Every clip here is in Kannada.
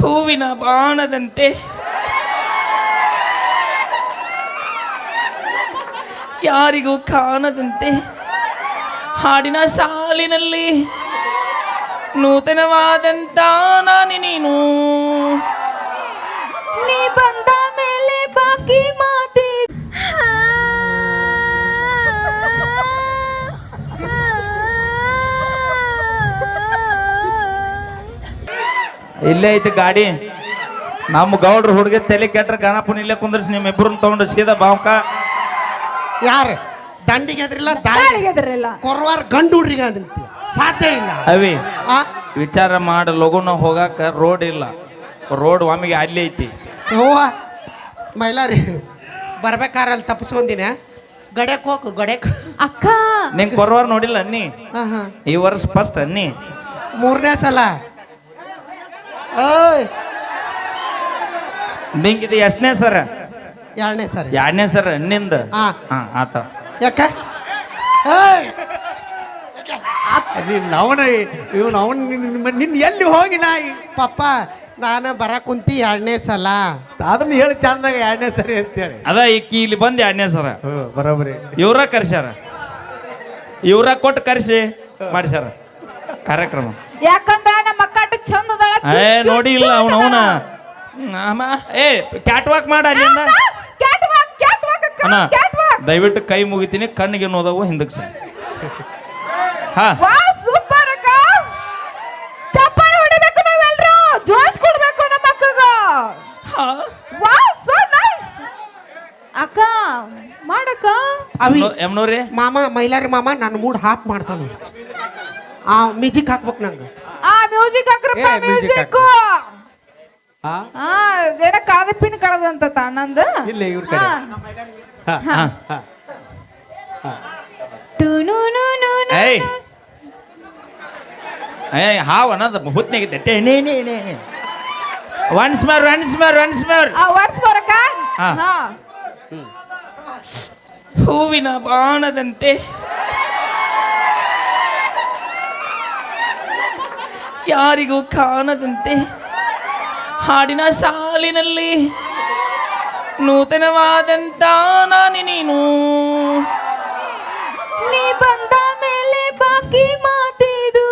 ಹೂವಿನ ಬಾಣದಂತೆ ಯಾರಿಗೂ ಕಾಣದಂತೆ ಹಾಡಿನ ಸಾಲಿನಲ್ಲಿ ನೂತನವಾದಂತ ನಾನಿ ನೀನು ನೀ ಬಂದ ಮೇಲೆ ಬಾಕಿ ಮಾತಿ ಇಲ್ಲೇ ಐತಿ ಗಾಡಿ. ನಮ್ಮ ಗೌಡ್ರು ಹುಡುಗಿ ತಲೆ ಕೆಟ್ರ ಗಣಪನ ಇಲ್ಲೇ ಕುಂದ್ರಿಸಿ ನಿಮ್ಮ ಇಬ್ಬರನ್ನ ತಗೊಂಡು ಸೀದಾ ಬಾವ್ಕ. ಯಾರು ದಂಡಿಗೆ ಎದ್ರಿಲ್ಲ ದಾಳಿಗೆದ್ರಲ್ಲ ಕೊರವಾರ ಗಂಡು ಹುಡ್ರಿಗೆ ಅದಂತ ಸಾಧ್ಯ ಇಲ್ಲ. ಅವಿ ಆ ವಿಚಾರ ಮಾಡಿ ಲಗುನ ಹೋಗಾಕ ರೋಡ್ ಇಲ್ಲ. ರೋಡ್ ಒಮ್ಮಿಗೆ ಅಲ್ಲಿ ಐತಿ. ಹೂವ ಮೈಲಾರಿ ಬರ್ಬೇಕಾರೆ ಅಲ್ಲಿ ತಪ್ಪಿಸ್ಕೊಂದಿನ ಗಡ್ಯಕ್ ಹೋಗು ಗಡ್ಯಕ್. ಅಕ್ಕ ನಿಂಗೆ ಕೊರವಾರ ನೋಡಿಲ್ಲ ಅನ್ನಿ. ಹಾ ಈ ವರ್ಷ ಫಸ್ಟ್ ಅನ್ನಿ. 3ನೇ ಸಲ. ಓಯ್ ನಿಂಗಿದು ಎಷ್ಟನೇ ಸರ? 2ನೇ ಸಲ. 2ನೇ ಸರ ಅನ್ನಿಂದ. ಹಾ ಆತ. ಯಾಕ ಏಯ್ ನಿನ್ನ ಎಲ್ಲಿ ಹೋಗಿ ನಾಯಿ ಪಪ್ಪ ನಾನು ಬರ ಕುಂತಿ 2ನೇ ಸಲ. ಅದನ್ನ ಹೇಳಿ ಚಂದಾಗ 2ನೇ ಸರಿ ಅಂತೇಳಿ ಅದ ಈಕಿ ಇಲ್ಲಿ ಬಂದು 2ನೇ ಸರ. ಬರೋಬರಿ ಇವ್ರ ಕರ್ಸ್ಯಾರ. ಇವ್ರ ಕೊಟ್ಟು ಕರ್ಸಿ ಮಾಡಿಸ್ಯಾರ ಕಾರ್ಯಕ್ರಮ. ಯಾಕಂದ್ರ ನಮ್ಮ ಅಕ್ಕ ಅಷ್ಟು ಚಂದ ಅದಾಳ. ನೋಡಿ ಇಲ್ಲ ಅವನ ಏ ಕ್ಯಾಟ್ ವಾಕ್ ಮಾಡ ಅಲ್ಲಿಂದ. ಅಣ್ಣ ದಯವಿಟ್ಟು ಕೈ ಮುಗಿತೀನಿ, ಕಣ್ಣಿಗೆ ನೋದವು ಹಿಂದಕ್ಕೆ ಸರ್. ಹಾ ಸೂಪರ್ ಅಕ್ಕ. ಚಪ್ಪಾಳೆ ಹೊಡಿಬೇಕು ನಾವೆಲ್ಲರೂ, ಜೋಶ್ ಕೊಡ್ಬೇಕು ನಮ್ಮ ಅಕ್ಕಗ. ವಾವ್ ಸೋ ನೈಸ್ ಅಕ್ಕ ಮಾಡಕ್ಕ. ಅವಿ ಎಮ್ನೋರಿ ಮಾಮ ಮೈಲಾರಿ ಮಾಮ ನನ್ನ ಮೂಡ್ ಹಾಪ್ ಮಾಡ್ತಾನೆ. ಆ ಮ್ಯೂಸಿಕ್ ಹಾಕ್ಬೇಕು ನಂಗೆ. ಆ ಮ್ಯೂಸಿಕ್ ಹಾಕ್ರಪ್ಪ. ಮ್ಯೂಸಿಕ್ ಏನ ಕಳದ ಪಿನ್ ಕಳದಂತ ತಾನಂದ ಇಲ್ಲ ಇವ್ರ ಕಡೆ ಏಯ್ ಏಯ್ ಹಾವ್ ಅನ್ನೋದು ಹುತ್ನಾಗಿದ್ದೆ. Once more once more once more. ವರ್ಸ್ ಬರಕ. ಹೂವಿನ ಬಾಣದಂತೆ ಯಾರಿಗೂ ಕಾಣದಂತೆ ಹಾಡಿನ ಸಾಲಿನಲ್ಲಿ ನೂತನವಾದಂತ ನಾನಿ ನೀನು ನೀ ಬಂದ ಮೇಲೆ ಬಾಕಿ ಮಾತಿದು.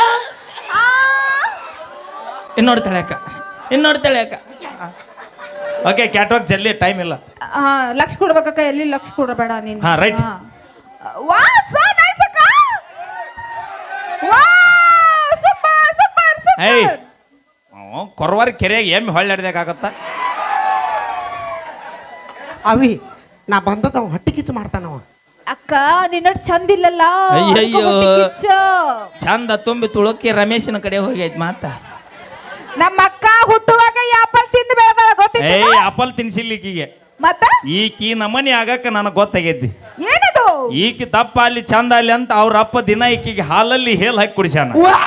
ಇನ್ನೋಡ್ತಾಳೆ ಅಕ್ಕ, ಇನ್ನೋಡ್ತಾಳೆ ಅಕ್ಕ. ಓಕೆ ಕ್ಯಾಟ್ ವಾಕ್ ಜಲ್ದಿ, ಟೈಮ್ ಇಲ್ಲ. ಲಕ್ಷ ಕೊಡ್ಬೇಕಕ್ಕ, ಎಲ್ಲಿ ಲಕ್ಷ ಕೊಡಬೇಡ ನೀನು. ಹಾ ರೈಟ್. ವಾವ್ ಸೋ ನೈಸ್ ಅಕ್ಕ. ವಾವ್ ಸೂಪರ್ ಸೂಪರ್ ಏಯ್ ಸೂಪರ್. ಕೊರವಾರ ಕೆರೆಯಾಗ ಎಮ್ಮೆ ಹೊಳ್ಳಾಡ್ದಾಗತ್ತ. ಅವಿ ನಾ ಬಂದದ ಹೊಟ್ಟೆ ಕಿಚ್ಚು ಮಾಡ್ತಾನವ. ಅಕ್ಕ ನಿನ್ನ ಚಂದ ಇಲ್ಲಲ್ಲ. ಅಯ್ಯಯ್ಯೋ. ಹೊಟ್ಟೆ ಕಿಚ್ಚು. ಚಂದ ತುಂಬಿ ತುಳುಕಿ ರಮೇಶನ ಕಡೆ ಹೋಗೈತ್ ಮಾತ. ನಮ್ಮ ಅಕ್ಕ ಹುಟ್ಟುವಾಗ ಆಪಲ್ ತಿಂದು ಬೆಳೆದಾಳ ಗೊತ್ತಿಲ್ಲ. ಏಯ್ ಆಪಲ್ ತಿನ್ಸಿಲ್ಲ ಈಕಿಗೆ. ಮತ್ತ ಈಕಿ ನಮನಿ ಆಗಕ್ಕ ನನಗೆ ಗೊತ್ತಾಗೈತಿ. ಏನದು? ಈಕಿ ದಪ್ಪ ಅಲ್ಲಿ ಚಂದ ಅಲ್ಲಿ ಅಂತ ಅವ್ರ ಅಪ್ಪ ದಿನ ಈಕಿಗೆ ಹಾಲಲ್ಲಿ ಹೇಲ್ ಹಾಕಿ ಕುಡಿಸ್ಯಾನ.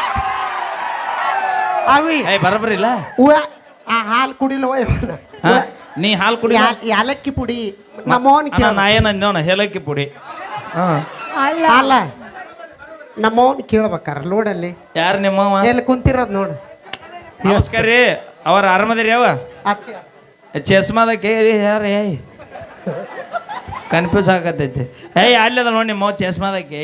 ಅವಿ ಏಯ್ ಬರಬರಿಲ್ಲ. ಆ ಹಾಲು ಕುಡಿಲವ ನೀ ಹಾಲು ಕುಡಿ. ಯಾಲಕ್ಕಿ ಪುಡಿ ನಮ್ಮವನ್ ನಾ ಏನಂದೇವನ ಹೇಲಕ್ಕಿ ಪುಡಿ. ಅಲ್ಲ ಅಲ್ಲ ನಮ್ಮವನ್ ಕೇಳ್ಬೇಕಾರ ಲೋಡಲ್ಲಿ ಯಾರು ನಿಮ್ಮವ? ಎಲ್ಲಿ ಕುಂತಿರೋದು ನೋಡು. ನಮಸ್ಕಾರ ರೀ, ಅವ್ರ ಆರಾಮದಿರಿ ಯಾವ? ಚಸ್ಮಾದ ಕೇರಿ ಯಾರು? ಏಯ್ ಕನ್ಫ್ಯೂಸ್ ಆಗತೈತಿ. ಏಯ್ ಅಲ್ಲದ ನೋಡಿ ನಿಮ್ಮ ಚಸ್ಮಾದಕ್ಕೆ.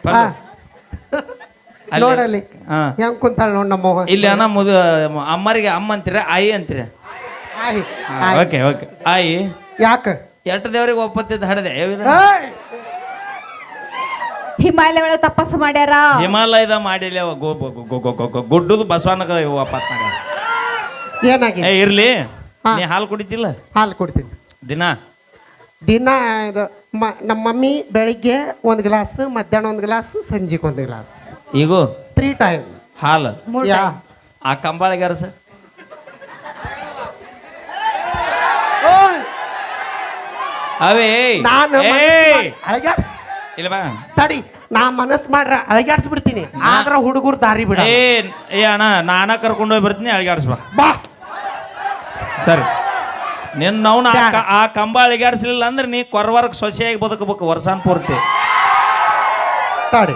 ನೋಡಲ್ಲಿ ಹೆಂಗ್ ಕುಂತಾಳ ನೋಡ್ ನಮ್ಮವ. ಇಲ್ಲಿ ಅಣ್ಣ ಅಮ್ಮರಿಗೆ ಅಮ್ಮ ಅಂತೀರ, ಆಯಿ ಅಂತೀರ? ಓಕೆ ಓಕೆ ಆಯಿ. ಯಾಕ ಎಷ್ಟು ದೇವ್ರಿಗೆ ಒಪ್ಪತ್ತಿದ್ದು ಹಡದೆ. ಹಿಮಾಲಯ ಒಳಗೆ ತಪಸ್ಸು ಮಾಡ್ಯಾರ. ಹಿಮಾಲಯದ ಮಾಡಿಲ್ಲ ಗುಡ್ಡದು ಬಸವಣ್ಣ ವಾಪಸ್ ಮಾಡ್ಯಾರ. ಏನಾಗಿ ಏ ಇರ್ಲಿ. ನೀ ಹಾಲು ಕುಡಿತಿಲ್ಲ? ಹಾಲು ಕುಡಿತೀನಿ ದಿನ. ದಿನ ಇದು ನಮ್ಮ ಮಮ್ಮಿ ಬೆಳಿಗ್ಗೆ 1 ಗ್ಲಾಸ್, ಮಧ್ಯಾಹ್ನ 1 ಗ್ಲಾಸ್, ಸಂಜೆಗೆ 1 ಗ್ಲಾಸ್. ಈಗ 3 ಟೈಮ್ ಹಾಲು. ಯಾ ಆ ಕಂಬಾಳಿಗೆ ಅರಸ ಅವೇ ನಾನು ಇಲ್ಲ ಬಾ ತಡಿ, ನಾ ಮನಸ್ ಮಾಡ್ರ ಅಳಗ್ಯಾಡ್ಸ್ಬಿಡ್ತೀನಿ. ಆದ್ರ ಹುಡುಗರು ದಾರಿ ಬಿಡ. ಏ ಅಣ್ಣ ನಾನ ಕರ್ಕೊಂಡು ಹೋಗಿ ಬರ್ತೀನಿ, ಅಳಗಾಡ್ಸ್ಬಾ ಬಾ. ಸರಿ ನಿನ್ನ ಆ ಕಂಬ ಅಳಗಾಡ್ಸ್ಲಿಲ್ಲ ಅಂದ್ರೆ ನೀ ಕೊರವರ್ಗ ಸೊಸೆಯಾಗಿ ಬದುಕಬೇಕು ವರ್ಷಾನ್ ಪೂರ್ತಿ. ತಡಿ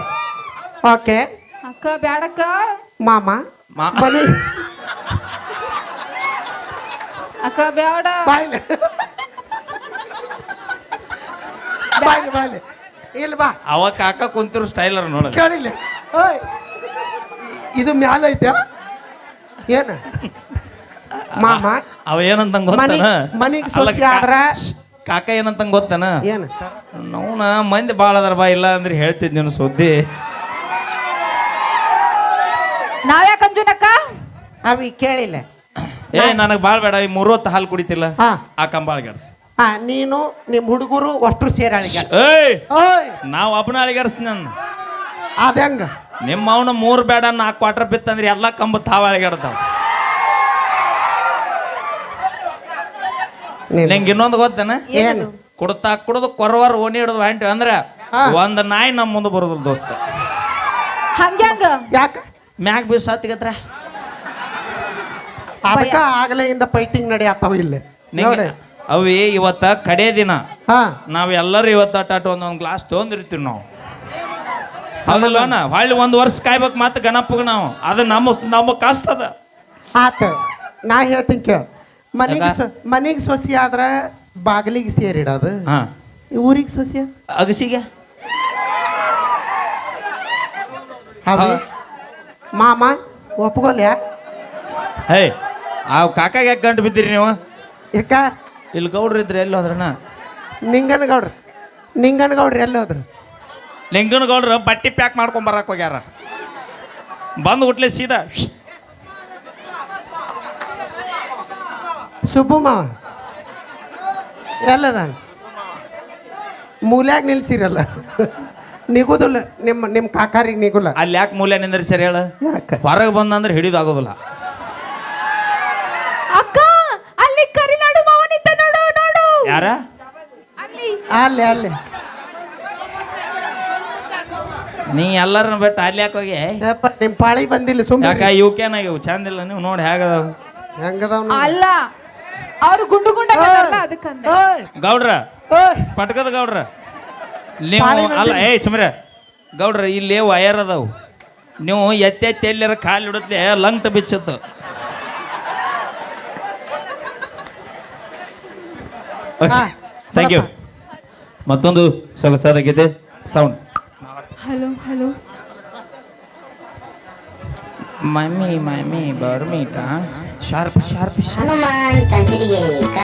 ಓಕೆ ಅಕ್ಕ ಬ್ಯಾಡಕ್ಕ. ಮಾಮ ಮನೆ ಅಕ್ಕ ಬ್ಯಾಡ ಬಾಯ್ಲೆ ಬಾಯ್ಲೆ ಬಾಯ್ಲೆ ಇಲ್ಲ ಬಾ ಅವ ಕಾಕ ಕುಂತಿರೋ ಸ್ಟೈಲರ್ ನೋಡ ಕೇಳಿಲ್ಲ ಓಯ್ ಇದು ಮ್ಯಾಲ ಐತೆ ಏನ ಮಾಮ ಅವ ಏನಂತ ಗೊತ್ತಾನ ಮನಿಗ್ ಸೊಸಿ ಆದ್ರ ಕಾಕ ಏನಂತ ಗೊತ್ತಾನ ಏನು ನೋನ ಮಂದಿ ಭಾಳ ಅದಾರ ಬಾ ಇಲ್ಲ ಅಂದ್ರೆ ಹೇಳ್ತಿದ್ ನೀನು ಸುದ್ದಿ ನಾವ್ಯಾಕ ಅಂಜುನಕ್ಕ ಅವಿ ಕೇಳಿಲ್ಲ ಏ ನನಗೆ ಭಾಳ ಬೇಡ ಈ 3 ಹೊತ್ತು ಹಾಲು ಕುಡಿತಿಲ್ಲ ಹಾ ಆ ಕಂಬಾಳ ಗೆಡ್ಸಿ ನೀನು ನಿಮ್ಮ ಹುಡುಗರು ಅಷ್ಟ್ರು ಸೇರಿ ಅಳಿಗೆ ಏಯ್ ಓಯ್ ನಾವು ಒಬ್ಬನ ಅಳಿಗಾಡ್ಸ್ತೀನಿ ನಾನು ಅದ ಹೆಂಗ ನಿಮ್ಮ ಅವನ 3 ಬೇಡ 4 ಕ್ವಾರ್ಟರ್ ಬಿತ್ತಂದ್ರೆ ಎಲ್ಲ ಕಂಬ ತಾವ ಅಳಿಗಾಡ್ತಾವ ನಿಂಗೆ ಇನ್ನೊಂದು ಗೊತ್ತೇನ ಏನದು ಕುಡ್ತಾ ಕುಡ್ದು ಕೊರವಾರ ಓಣಿ ಹಿಡಿದು ಹೊಂಟಿ ಅಂದ್ರೆ ಹಾ. ಒಂದು ನಾಯಿ ನಮ್ಮ ಮುಂದೆ ಬರೋದಿಲ್ಲ ದೋಸ್ತ ಹಂಗ್ಯಾಂಗ ಯಾಕ ಮ್ಯಾಗ ಬೀಸ್ ಹತ್ತಿಗತ್ರ ಅದಕ್ಕ ಆಗಲೇ ಇಂದ ಫೈಟಿಂಗ್ ನಡೆಯತ್ತಾವ ಇಲ್ಲಿ ನೋಡಿ ಅವಿ ಇವತ್ತ ಕಡೆ ದಿನ ಹಾ ನಾವ್ ಎಲ್ಲರೂ ಇವತ್ತ ಅಟ್ಟಾಟ ಒಂದೊಂದು ಗ್ಲಾಸ್ ತೊಗೊಂಡಿರ್ತೀವಿ ನಾವು ಹೌದಲ್ವನ ಹೊಳ್ಳಿ 1 ವರ್ಷ ಕಾಯ್ಬೇಕು ಮತ್ತೆ ಗಣಪಗ ನಾವು ಅದು ನಮ್ಮ ಕಷ್ಟ ಅದ ಆತ ನಾ ಹೇಳ್ತೀನಿ ಕೇಳ ಮನಿಗೆ ಯಾಕ? ಮನಿಗೆ ಸೊಸಿ ಆದ್ರ ಬಾಗಿಲಿಗೆ ಸೇರಿಡೋದು ಹಾ ಊರಿಗೆ ಸೊಸಿ ಅಗಸಿಗೆ ಅವಿ ಮಾಮ ಒಪ್ಕೊಲ್ಯಾ ಹೇ ಆ ಕಾಕಾಗ ಯಾಕೆ ಗಂಟು ಬಿದ್ದೀರಿ ನೀವು ಯಾಕ ಇಲ್ಲಿ ಗೌಡ್ರು ಇದ್ರೆ ಎಲ್ಲಿ ಹೋದ್ರಣ್ಣ ನಿಂಗನಗೌಡ್ರಿ ಎಲ್ಲಿ ಹೋದ್ರು ಲಿಂಗನ ಗೌಡ್ರು ಬಟ್ಟಿ ಪ್ಯಾಕ್ ಮಾಡ್ಕೊಂಡ್ ಬರಕ್ ಹೋಗ್ಯಾರ ಬಂದು ಹುಟ್ಲೆ ಸೀದಾ ಸುಬ್ಬು ಮಾವ ಎಲ್ಲದ ಮೂಲ್ಯಾಗ ನಿಲ್ಸಿರಲ್ಲ ನಿಗುದಿಲ್ಲ ನಿಮ್ಮ ಕಾಕಾರಿಗೆ ನಿಗುಲ್ಲ ಅಲ್ಲಿ ಯಾಕೆ ಮೂಲೆ ನಿಂದ್ರಿ ಸರಿ ಹೇಳ ಯಾಕ ಹೊರಗೆ ಬಂದಂದ್ರೆ ಹಿಡಿದಾಗೋದಿಲ್ಲ ಅಕ್ಕ ಅಲ್ಲಿ ಕರಿನಾಡು ಮಾವನಿದ್ದ ನೋಡು ನೋಡು ಯಾರ ಅಲ್ಲಿ ಅಲ್ಲೇ ಅಲ್ಲೇ ನೀ ಎಲ್ಲರನ್ನ ಬಿಟ್ಟು ಅಲ್ಲಿ ಯಾಕೆ ಹೋಗಿ ಯಪ್ಪ ನಿಮ್ಮ ಪಾಳಿ ಬಂದಿಲ್ಲ ಸುಮ್ಮನೆ ಯಾಕ ಇವಕ್ಕೇನಾಗಿವು ಚಂದ ಇಲ್ಲ ನೀವು ನೋಡಿ ಹೇಗದಾವ ಹೆಂಗದವ್ ಅಲ್ಲ ಅವ್ರು ಗುಂಡು ಗುಂಡಲ್ಲ ಅದಕ್ಕಂದ ಗೌಡ್ರ ಓಯ್ ಪಟ್ಕದ ಗೌಡ್ರ ನೀವು ಪಾಳಿ ಅಲ್ಲ ಬಂದಿಲ್ಲ. ಏಯ್ ಸುಮ್ರೆ ಗೌಡ್ರ ಇಲ್ಲಿ ವಯರ್ ಅದಾವು ನೀವು ಎತ್ತೆತ್ತಿ ಎಲ್ಲರ ಕಾಲು ಹಿಡುತ್ತೆ ಲಂಗ್ಟ್ ಬಿಚ್ಚತ್ತು ಹಾ, ಥ್ಯಾಂಕ್ ಯು ಮತ್ತೊಂದು ಸೊಗಸಾದ ಗೀತೆ ಸೌಂಡ್ ಹಲೋ ಹಲೋ ಮಮ್ಮಿ ಬರ್ಮೀಟ ಶಾರ್ಪ್ ಶಾರ್ಪ್ ಹನುಮಾನ್ ಕಂಚಿಗೆ